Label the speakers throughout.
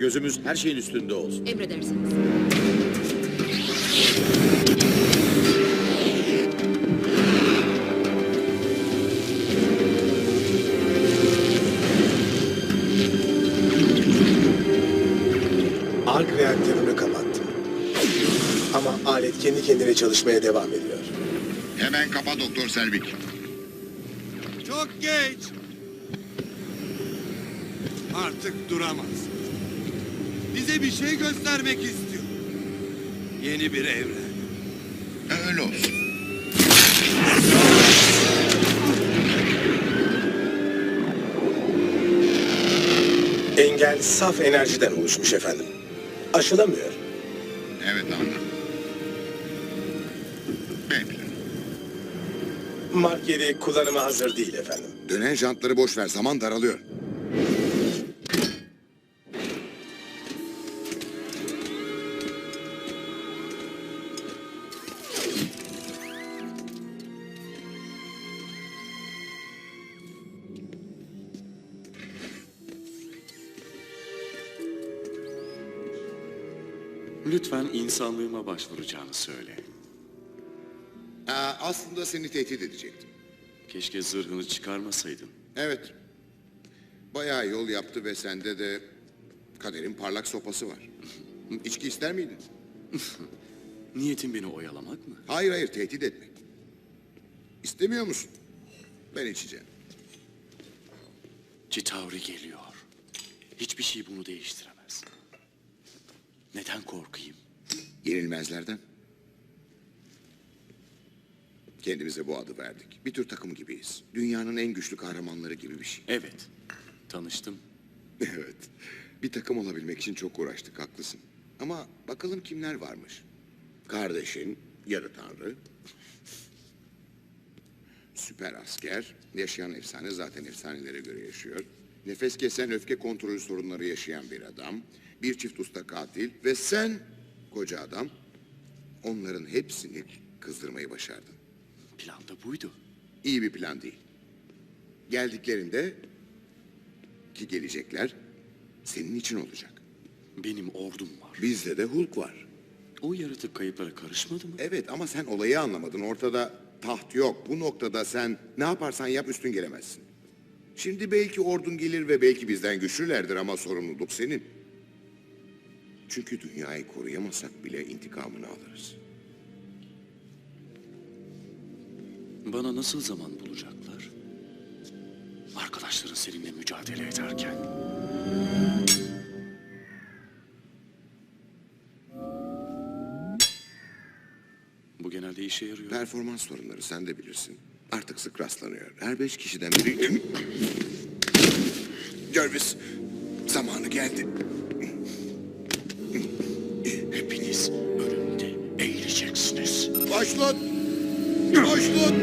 Speaker 1: Gözümüz her şeyin üstünde olsun.
Speaker 2: Emredersiniz.
Speaker 3: Ark reaktörünü kapattım. Ama alet kendi kendine çalışmaya devam ediyor.
Speaker 4: Hemen kapa Doktor Selvig.
Speaker 5: Çok geç. Artık duramaz. Bize bir şey göstermek istiyor. Yeni bir evren.
Speaker 4: Öyle olsun.
Speaker 3: Engel saf enerjiden oluşmuş efendim. Aşılamıyor.
Speaker 4: Evet anladım. Bekle.
Speaker 3: Mark 7 kullanıma hazır değil efendim.
Speaker 4: Dönen jantları boş ver. Zaman daralıyor.
Speaker 6: Lütfen insanlığıma başvuracağını söyle.
Speaker 4: Aslında seni tehdit edecektim.
Speaker 6: Keşke zırhını çıkarmasaydın.
Speaker 4: Evet. Bayağı yol yaptı ve sende de kaderin parlak sopası var. İçki ister miydin?
Speaker 6: Niyetin beni oyalamak mı?
Speaker 4: Hayır, tehdit etmek. İstemiyor musun? Ben içeceğim.
Speaker 6: Chitauri geliyor. Hiçbir şey bunu değiştiremez. Neden korkayım?
Speaker 4: Yenilmezlerden. Kendimize bu adı verdik. Bir tür takım gibiyiz. Dünyanın en güçlü kahramanları gibi bir şey.
Speaker 6: Evet, tanıştım.
Speaker 4: Evet. Bir takım olabilmek için çok uğraştık, haklısın. Ama bakalım kimler varmış. Kardeşin, yarı tanrı. Süper asker, yaşayan efsane, zaten efsanelere göre yaşıyor. Nefes kesen, öfke kontrolü sorunları yaşayan bir adam. Bir çift usta katil ve sen, koca adam, onların hepsini kızdırmayı başardın.
Speaker 6: Plan da buydu.
Speaker 4: İyi bir plan değil. Geldiklerinde, ki gelecekler, senin için olacak.
Speaker 6: Benim ordum var.
Speaker 4: Bizde de Hulk var.
Speaker 6: O yaratık kayıplara karışmadı mı?
Speaker 4: Evet ama sen olayı anlamadın. Ortada taht yok. Bu noktada sen ne yaparsan yap üstün gelemezsin. Şimdi belki ordun gelir ve belki bizden güçlülerdir ama sorumluluk senin. Çünkü dünyayı koruyamasak bile intikamını alırız.
Speaker 6: Bana nasıl zaman bulacaklar? Arkadaşların seninle mücadele ederken. Bu genelde işe yarıyor.
Speaker 4: Performans sorunları sen de bilirsin. Artık sık rastlanıyor. Her 5 kişiden biri... Jarvis, zamanı geldi.
Speaker 6: Hepiniz önümde eğileceksiniz.
Speaker 4: Başlat! Başlat!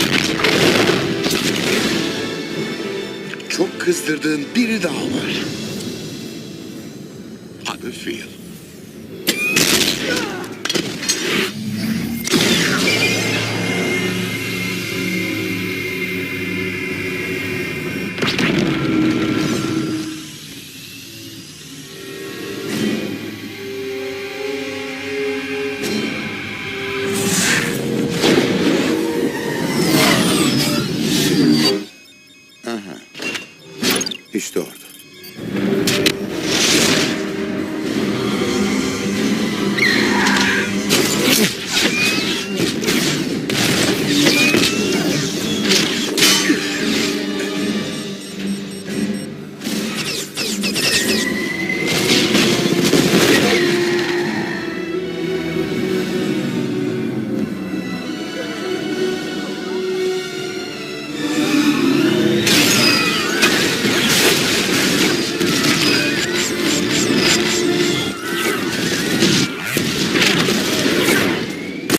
Speaker 4: Çok kızdırdığın biri daha var.